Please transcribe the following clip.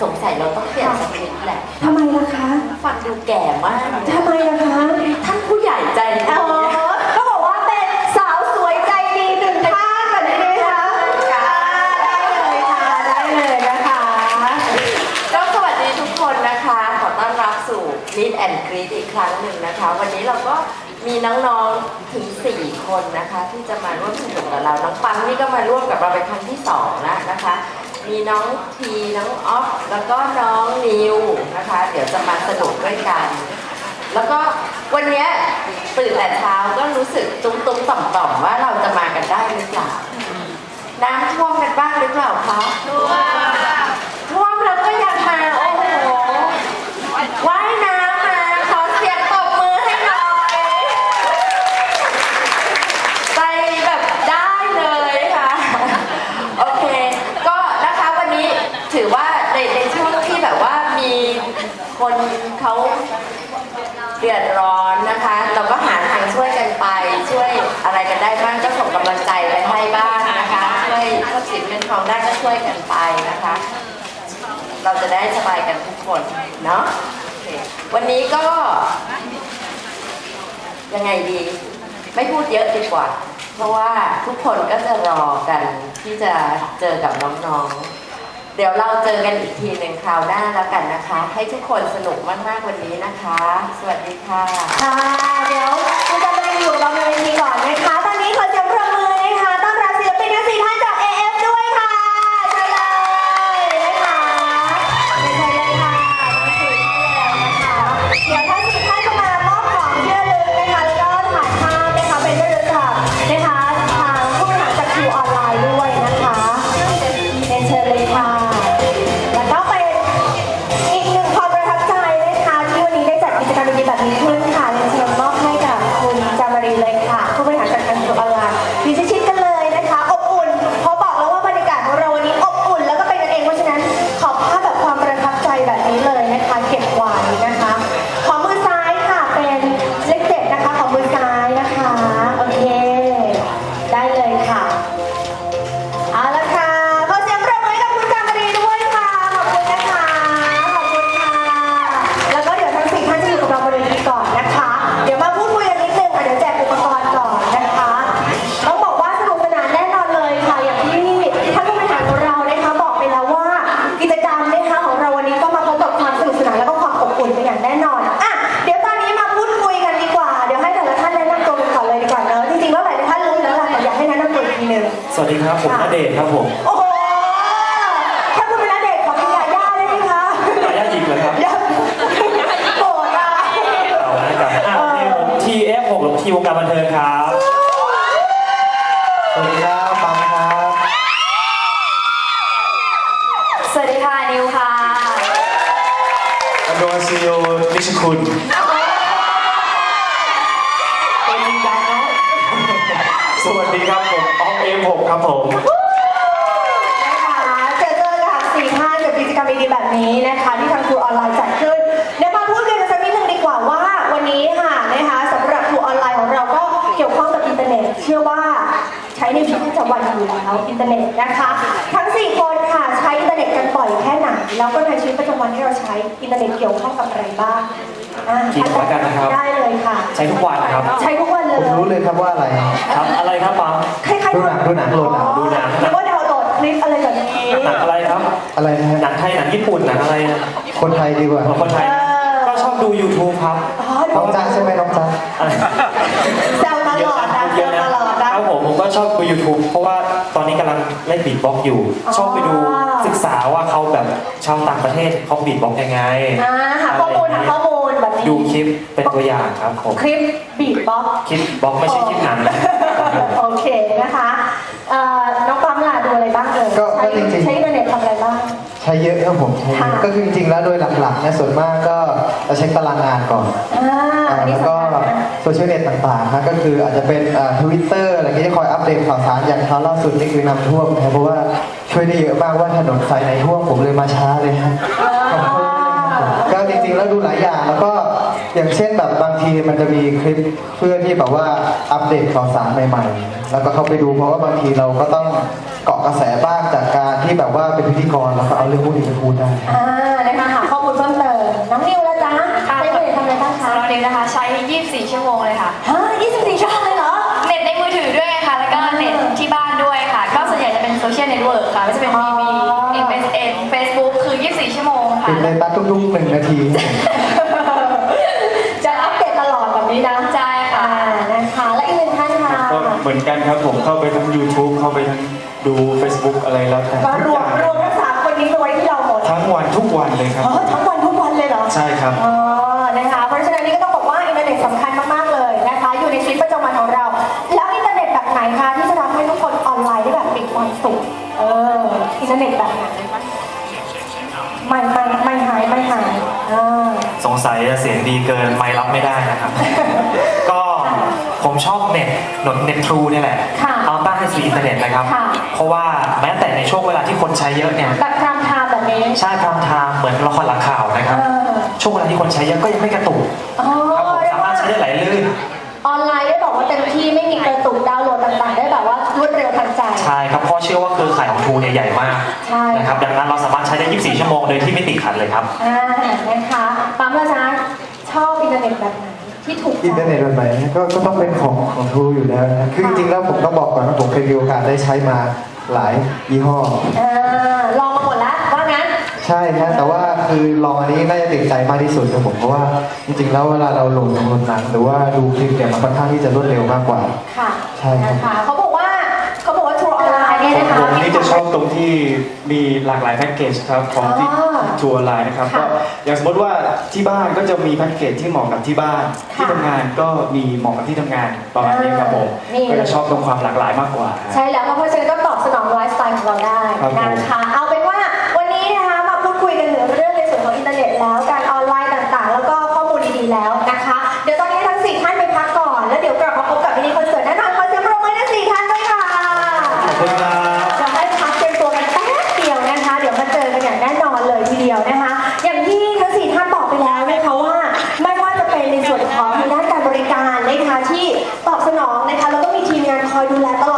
สงสัยเราต้องเปลี่ยนสคริปต์แหละทำไมล่ะคะฟังดูแก่มากทำไมล่ะคะท่านผู้ใหญ่ใจดีก็บอกว่าเป็นสาวสวยใจดีหนึ่งท่านแบบนี้นะคะได้เลยค่ะได้เลยนะคะก็สวัสดีทุกคนนะคะขอต้อนรับสู่ Meet and Greet อีกครั้งหนึ่งนะคะวันนี้เราก็มีน้องๆถึง4คนนะคะที่จะมาร่วมสนุกกับเราน้องปังนี่ก็มาร่วมกับเราเป็นครั้งที่2แล้วนะคะมีน้องทีน้องออฟแล้วก็น้องนิวนะคะเดี๋ยวจะมาสนุกด้วยกันแล้วก็วันนี้ตื่นแต่เช้าก็รู้สึกตุ้มๆต่อมๆว่าเราจะมากันได้หรือเปล่าน้ำท่วมกันบ้างหรือเปล่าคะท่วมแล้วก็ยังมาโอ้โหว่ายน้ำมาขอเสียงตบมือให้หน่อยใจแบบได้เลยค่ะโอเคก็นะคะวันนี้ถือว่าในช่วงที่แบบว่ามีคนเขาเดือดร้อนนะคะเราก็หาทางช่วยกันไปช่วยอะไรกันได้บ้างก็ส่งกำลังใจไปให้บ้างนะคะช่วยทรัพย์สินเงินทองได้ก็ช่วยกันไปนะคะเราจะได้สบายกันทุกคนเนาะวันนี้ก็ยังไงดีไม่พูดเยอะดีกว่าเพราะว่าทุกคนก็จะรอกันที่จะเจอกับน้องๆเดี๋ยวเราเจอกันอีกทีหนึ่งคราวหน้าแล้วกันนะคะให้ทุกคนสนุกมากๆวันนี้นะคะสวัสดีค่ะค่ะเดี๋ยวคุณจะไปอยู่บนเวทีก่อนนะคะตอนนี้ขอเสียงปรบมือนะคะต้อนรับศิลปินทั้ง4ท่านจาก AF ด้วยค่ะเชิญเลยนะคะเชิญเลยค่ะเดี๋ยวทั้ง4ท่านจะมามอบของที่ระลึกนะคะแล้วก็ถ่ายภาพนะคะเป็นที่ระลึกค่ะนะคะทางผู้บริหารจากคิวออนไลน์ด้วยนะคะเชิญเลยค่ะแล้วก็เป็นอีกหนึ่งความประทับใจนะคะที่วันนี้ได้จัดกิจกรรมดีๆแบบนี้ขึ้นค่ะเชิญมอบให้กับคุณจามารีเลยค่ะผู้บริหารจากทางคิวออนไลน์ดีชิดๆกันเลยนะคะอบอุ่นเพราะบอกแล้วว่าบรรยากาศของเราวันนี้อบอุ่นแล้วก็เป็นกันเองเพราะฉะนั้นขอภาพแบบความประทับใจแบบนี้เลยนะคะเก็บไว้นะคะขอมือซ้ายค่ะเป็นเลข7นะคะขอมือซ้ายนะคะโอเคได้เลยค่ะเอาละค่ะขอเสียงปรบมือให้กับคุณจามรีด้วยค่ะขอบคุณนะคะขอบคุณค่ะแล้วก็เดี๋ยวทั้ง4ท่านจะอยู่กับเราบนเวทีก่อนนะคะเดี๋ยวมาพูดคุยกันนิดนึงค่ะเดี๋ยวแจกอุปกรณ์ก่อนนะคะต้องบอกว่าสนุกสนานแน่นอนเลยค่ะอย่างที่ท่านผู้บริหารของเรานะคะบอกไปแล้วว่ากิจกรรมนะคะของเราวันนี้ก็มาพบกับความสนุกสนานแล้วก็ความอบอุ่นเป็นอย่างแน่นอนอ่ะเดี๋ยวตอนนี้มาพูดคุยกันดีกว่าเดี๋ยวให้แต่ละท่านแนะนำตัวกันก่อนเลยดีกว่าเนอะจริงๆแล้วหลายท่านรู้อยู่แล้วแหละแต่อยากให้แนะนำตัวอีกทีนึงสวัสดีครับผมณเดชน์ครับผมโอ้โหถ้าคุณเป็นณเดชน์ขอเป็นยาย่าได้ไหมคะยาย่าหญิงเหรอครับยาโกรธอ่ะเอาละครับผม TF6 หรือทีวงการบันเทิงครับสวัสดีครับปังครับสวัสดีค่ะนิวค่ะอันโดซิโอนิชคุณเป็นจริงจังเนาะสวัสดีครับผมออฟ F6 ครับผมนะคะเจอกับ4ท่านกับกิจกรรมดีๆแบบนี้นะคะที่ทางครูออนไลน์จัดขึ้นเดี๋ยวมาพูดกันสักนิดนึงดีกว่าว่าวันนี้ค่ะนะคะสำหรับครูออนไลน์ของเราก็เกี่ยวข้องกับอินเทอร์เน็ตเชื่อว่าใช้ในชีวิตประจำวันอยู่แล้วอินเทอร์เน็ตนะคะทั้ง4คนค่ะใช้อินเทอร์เน็ตกันบ่อยแค่ไหนแล้วก็ในชีวิตประจำวันที่เราใช้อินเทอร์เน็ตเกี่ยวข้องกับอะไรบ้างกี่แล้วกันนะครับได้เลยค่ะใช้ทุกวันครับใช้ทุกวันเลยผมรู้เลยครับว่าอะไรครับอะไรครับปังคล้ายๆดูหนังโหลดหนังหรือว่าดาวน์โหลดคลิปอะไรแบบนี้หนังอะไรครับอะไรนะฮะหนังไทยหนังญี่ปุ่นหนังอะไรคนไทยดีกว่าคนไทยก็ชอบดู YouTube ครับน้องจ๊ะใช่ไหมน้องจ๊ะแซวตลอดนะแซวตลอดนะครับผมก็ชอบดู YouTube เพราะว่าตอนนี้กำลังเล่นบีทบ็อกซ์อยู่ชอบไปดูศึกษาว่าเขาแบบชาวต่างประเทศเขาบีทบ็อกซ์ยังไงหาข้อมูลแบบนี้ดูคลิปเป็นตัวอย่างครับผมคลิปบีทบ็อกซ์คลิปบ็อกซ์ไม่ใช่คลิปหนังโอเคนะคะน้องปั๊มล่ะดูอะไรบ้างเลยใช้อินเทอร์เน็ตทำอะไรบ้างใช้เยอะครับผมใช้เยอะก็คือจริงๆแล้วโดยหลักๆเนี่ยส่วนมากก็จะเช็คตารางงานก่อนแล้วก็โซเชียลเน็ตต่างๆนะก็คืออาจจะเป็นTwitter อะไรที่จะคอยอัปเดตข่าวสารอย่างคราวล่าสุดนี่คือน้ำท่วมนะเพราะว่าช่วยได้เยอะมากว่าถนนสายไหนท่วมผมเลยมาช้าเลยฮะก็จริงๆแล้วดูหลายอย่างแล้วก็อย่างเช่นแบบบางทีมันจะมีคลิปเพื่อที่แบบว่าอัปเดตข่าวสารใหม่ๆ แล้วก็เข้าไปดูเพราะว่าบางทีเราก็ต้องเกาะกระแสบ้างจากการที่แบบว่าเป็นพิธีกรแล้วก็เอาเรื่องพวกนี้ไปพูดได้นะคะหาข้อมูลเพิ่มเติมน้องนิวแล้วจ้าใช้ผลิตทำอะไรบ้างคะสำหรับเด็กนะคะใช้ 24 ชั่วโมงเลยค่ะ 24 ชั่วโมงเลยเหรอเน็ตในมือถือด้วยค่ะ แล้วก็เน็ตที่บ้านด้วยค่ะ ก็ส่วนใหญ่จะเป็นโซเชียลเน็ตเวิร์กค่ะไม่จะเป็นทีวี MSN Facebook คือ 24 ชั่วโมงค่ะปิดเลยตัดทุกๆ1 นาทีจะอัปเดตตลอดแบบนี้นะใช่ค่ะนะคะและอีกหนึ่งท่านค่ะก็เหมือนกันครับผมเข้าไปทั้ง YouTube เข้าไปทั้งดู Facebook อะไรแล้วแต่ก็ทุรกวอมย่างรวมทั้งสามคนนี้มาไว้ที่เราหมดทั้งวันทุกวันเลยครับทั้งวันทุกวันเลยเหรอใช่ครับอ๋อนะคะเพราะฉะนั้นนี่ก็ต้องบอกว่าอินเทอร์เน็ตสำคัญมากๆเลยนะคะอยู่ในชีวิตประจำวันของเรา แล้วอินเทอร์เน็ตแบบไหนคะที่จะทำให้ทุกคนออนไลน์ได้แบบมีความสุขอินเทอร์เน็ตแบบไหนไม่หายสงสัยจะเสียงดีเกินไม่รับไม่ได้นะครับ ก็ผมชอบเน็ตทรูนี่แหละค่ะเอาตั้งให้สีอินเทอร์เน็ตนะครับค่ะเพราะว่าแม้แต่ในช่วงเวลาที่คนใช้เยอะเนี่ยแบบพรามไทม์แบบนี้ใช่พรามไทม์เหมือนละครหลังข่าวนะครับ ช่วงเวลาที่คนใช้เยอะก็ยังไม่กระตุกอ๋อครับผมเรียสาก มารว่าถใช้ได้ไหลลื่นออนไลน์ได้บอกว่าเต็มที่ไม่มีกระตุกดาวน์โหลดต่างๆ ได้แบบว่ารวดเร็วทันใจใช่ครับเพราะเชื่อว่าเครือข่ายของทรูเนี่ยใหญ่มากใช่นะครับดังนั้นเราสามารถใช้ได้ 24 ชั่วโมงโดยที่ไม่ติดขัดเลยครับนะคะปั๊มละจ๊ะชอบอินเทอร์เน็ตแบบไหนที่ถูกใจอินเทอร์เน็ตแบบไหนก็ต้องเป็นของทรูอยู่แล้วนะคือจริงๆแล้วผมต้องบอกก่อนว่าผมเคยมีโอกาสได้ใช้มาหลายยี่ห้อลองมาหมดแล้วว่างั้นใช่ครับแต่ว่าคือลองอันนี้น่าจะติดใจมากที่สุดครับผมเพราะว่าจริงๆแล้วเวลาเราโหลดหนังหรือว่าดูคลิปเนี่ยมันค่อนข้างที่จะรวดเร็วมากกว่าค่ะใช่ครับนะคะเขาบอกว่าทัวร์ออนไลน์เนี่ยนะคะผมนี่จะชอบตรงที่มีหลากหลายแพ็กเกจครับของที่ทัวร์ไลน์นะครับค่ะก็อย่างสมมติว่าที่บ้านก็จะมีแพ็กเกจที่เหมาะกับที่บ้านค่ะที่ทำงานก็มีเหมาะกับที่ทำงานประมาณนี้ครับผมนี่ก็จะชอบตรงความหลากหลายมากกว่าใช่แล้วเพราะฉะนั้นก็ตอบสนองไลฟ์สไตล์ของเราได้ครับผมนะคะเอาเป็นว่าวันนี้นะคะมาพูดคุยกันถึงเรื่องในส่วนของอินเทอร์เน็ตแล้วการออนไลน์ต่างๆ แล้วก็ข้อมูลดีๆแล้วนะคะ เดี๋ยวตอนนี้ทั้ง4ท่านไปพักก่อนแล้วเดี๋ยวกลับมาพบกับมินิคอนเสิร์ตแน่นอนขอเสียงปรบมือทั้ง4ท่านด้วยค่ะขอบคุณครับจะให้พักเตรียมตัวกันแป๊บเดียวนะคะ เดี๋ยวมาเจอกันอย่างแน่นอนเลยทีเดียวนะคะ อย่างที่ทั้ง4ท่านบอกไปแล้วนะคะว่าไม่ว่าจะเป็นในส่วนของทางด้านการบริการนะคะที่ตอบสนองนะคะแล้วก็มีทีมงานคอยดูแลตล